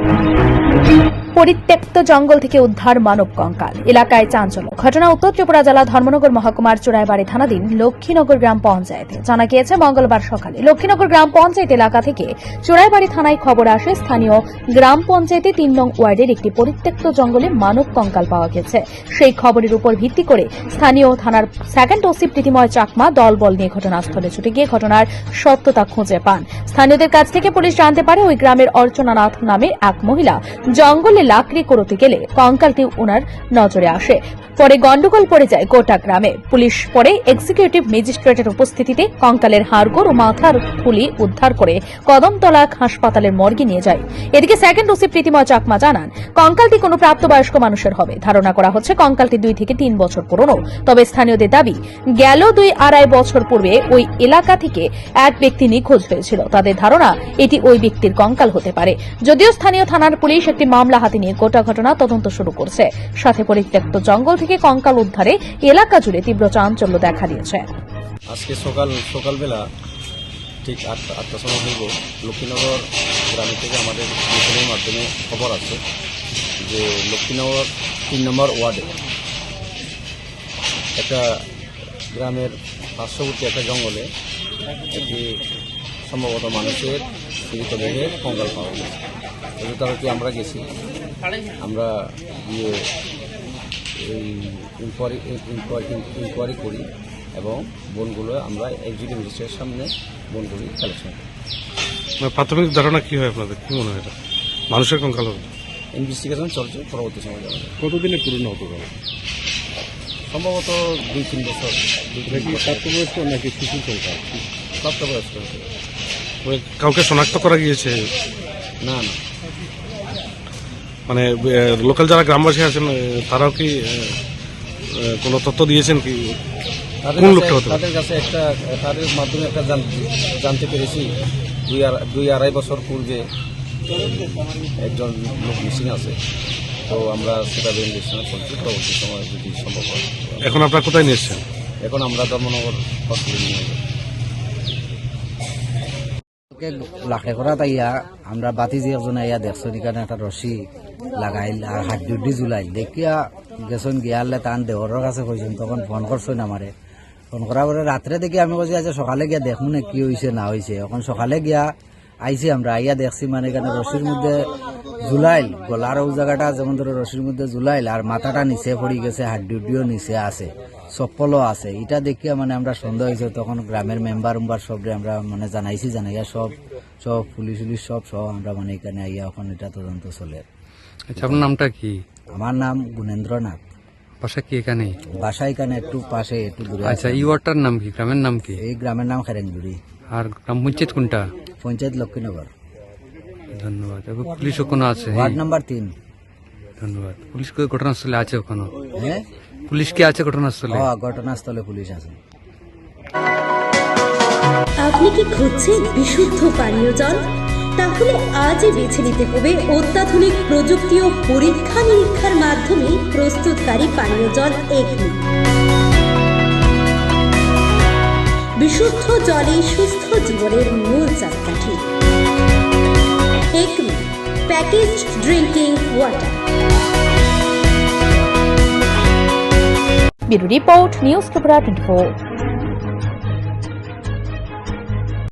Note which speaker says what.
Speaker 1: পরিত্যক্ত জঙ্গল থেকে উদ্ধার মানব কঙ্কাল, এলাকায় চাঞ্চল্য। ঘটনা উত্তর ত্রিপুরা জেলা ধর্মনগর মহকুমার চোরাইবাড়ি থানাধীন লক্ষ্মীনগর গ্রাম পঞ্চায়েতে। জানা গিয়েছে মঙ্গলবার সকালে লক্ষ্মীনগর গ্রাম পঞ্চায়েত এলাকা থেকে চোরাইবাড়ি থানায় খবর আসে স্থানীয় গ্রাম পঞ্চায়েতে ৩ নং ওয়ার্ডের একটি পরিত্যক্ত জঙ্গলে মানব কঙ্কাল পাওয়া গেছে। সেই খবরের উপর ভিত্তি করে স্থানীয় থানার সেকেন্ড ওসি প্রীতিময় চাকমা দলবল নিয়ে ঘটনাস্থলে ছুটে গিয়ে ঘটনার সত্যতা খুঁজে পান। স্থানীয়দের কাছ থেকে পুলিশ জানতে পারে ওই গ্রামের অর্চনানাথ নামের এক মহিলা জঙ্গলে লাকড়ি করতে গেলে কঙ্কালটি ওনার নজরে আসে। পরে গন্ডগোল পড়ে যায় গোটা গ্রামে। পুলিশ পরে এক্সিকিউটিভ ম্যাজিস্ট্রেটের উপস্থিতিতে কঙ্কালের হাড়গোড় ও মাথার খুলি উদ্ধার করে কদমতলা হাসপাতালের মর্গে নিয়ে যায়। এদিকে সেকেন্ড ওসি প্রীতিময় চাকমা জানান, কঙ্কালটি কোনো প্রাপ্তবয়স্ক মানুষের হবে। ধারণা করা হচ্ছে কঙ্কালটি 2 থেকে 3 বছর পুরনো। তবে স্থানীয়দের দাবি, গেল 2-2.5 বছর পূর্বে ওই এলাকা থেকে এক ব্যক্তি নিখোঁজ হয়েছিল। তাদের ধারণা এটি ওই ব্যক্তির কঙ্কাল হতে পারে। যদিও স্থানীয় থানার পুলিশ একটি মামলা হাতে নিয়ে গোটা ঘটনা তদন্ত শুরু করছে। সাথে পরিত্যক্ত জঙ্গল থেকে কঙ্কাল উদ্ধারে এলাকা জুড়ে তীব্র চাঞ্চল্য দেখা দিয়েছে।
Speaker 2: আজকে সকালবেলা ঠিক 8টার সময় হইব লক্ষ্মীনগর গ্রামে থেকে আমাদের টেলিফোনের মাধ্যমে খবর আছে যে লক্ষ্মীনগর 3 নম্বর ওয়ার্ডে একটা গ্রামের পার্শ্ববর্তী একটা জঙ্গলে একটি সম্ভবত মানুষের মৃতদেহে কঙ্কাল পাওয়া গেছে। তারপরে আমরা গেছি, আমরা গিয়ে ইনকোয়ারি করি এবং বনগুলো আমরা এক্সিকিউটিভ ম্যাজিস্ট্রেটের সামনে বনগুলি কালেকশন করি।
Speaker 3: প্রাথমিক ধারণা কি হয় আপনাদের, কি মনে হয় এটা মানুষের কঙ্কাল হবে?
Speaker 2: ইনভেস্টিগেশন চলছে, পরবর্তী সময় যাবে।
Speaker 3: কতদিনে পুরনো হতে পারে?
Speaker 2: সম্ভবত 2-3 বছর।
Speaker 3: প্রাপ্তবয়স্ক নাকি শিশু কঙ্কাল?
Speaker 2: প্রাপ্তবয়স্ক।
Speaker 3: কাউকে শনাক্ত করা গিয়েছে?
Speaker 2: না,
Speaker 3: মানে লোকাল যারা গ্রামবাসী আছেন তারাও কি কোনো তথ্য দিয়েছেন কি কোন লোকটা হতে পারে?
Speaker 2: তাদের মাধ্যমে একটা জানতে পেরেছি 2-2.5 বছর পূর্বে একজন লোক মিসিং আছে। তো আমরা সেটা ইনভেস্টিগেশন করছি, পরবর্তী সময় যদি সম্ভব হয়।
Speaker 3: এখন আপনারা কোথায় নিয়ে এসছেন?
Speaker 2: এখন আমরা ধর্মনগর হসপিটালে নিয়ে যাই।
Speaker 4: লাখে করা তাইয়া আমরা বাতি যে একজন আইয়া দেখছো এখানে একটা রশি লাগাইল আর হাড্ডি জুলাইল দেখিয়া গেছন গিয়ালে তান দেহরের কাছে কইছেন, তখন ফোন করছেন আমারে। ফোন করার পরে রাত্রে দেখি আমি কইছি আচ্ছা সকালে গিয়া দেখুন না কি হয়েছে না হয়েছে। এখন সকালে গিয়া আইছি আমরা, আইয়া দেখছি মানে এখানে রশির মধ্যে জুলাইল, গলার ও জায়গাটা যেমন ধরো রশির মধ্যে জুলাইল আর মাথাটা নিচে পড়ে গেছে, হাড্ডিও নিচে আছে, চপ্পলও আছে। এটা দেখিয়া মানে আমরা সন্দেহ হয়েছে। তখন গ্রামের মেম্বার সবরে আমরা মানে জানাইয়া সব পুলিশ সব আমরা মানে এখানে আইয়া এখন এটা তদন্ত চলে।
Speaker 5: আচ্ছা, আপনার নামটা কি?
Speaker 4: আমার নাম গুণেন্দ্রনাথ।
Speaker 5: বাসা কি এখানে?
Speaker 4: বাসা এখানে একটু পাশে, একটু দূরে।
Speaker 5: আচ্ছা, এই ওয়ার্ডটার নাম কি, গ্রামের নাম কি?
Speaker 4: এই গ্রামের নাম খেরেনগুড়ি।
Speaker 5: আর গ্রাম পঞ্চায়েত কোনটা?
Speaker 4: পঞ্চায়েত লক্ষ্মীনগর।
Speaker 5: ধন্যবাদ। পুলিশ ওখানে আছে?
Speaker 4: Ward number 3।
Speaker 5: ধন্যবাদ। পুলিশ ঘটনাস্থলে আছে ওখানে?
Speaker 4: হ্যাঁ,
Speaker 5: পুলিশ কি আছে ঘটনাস্থলে?
Speaker 4: ঘটনাস্থলে পুলিশ আছে।
Speaker 6: আপনি কি খুঁজছেন বিশুদ্ধ পানীয় জল? তাহলে আজই বেছে নিতে হবে অত্যাধুনিক প্রযুক্তি ও পরীক্ষা নিরীক্ষার মাধ্যমে প্রস্তুতকারী পানীয় জল একমি। বিশুদ্ধ জলে সুস্থ জীবনের মূল চাকাঠি। Acme package drinking water.
Speaker 1: Bureau report, news Tripura 24।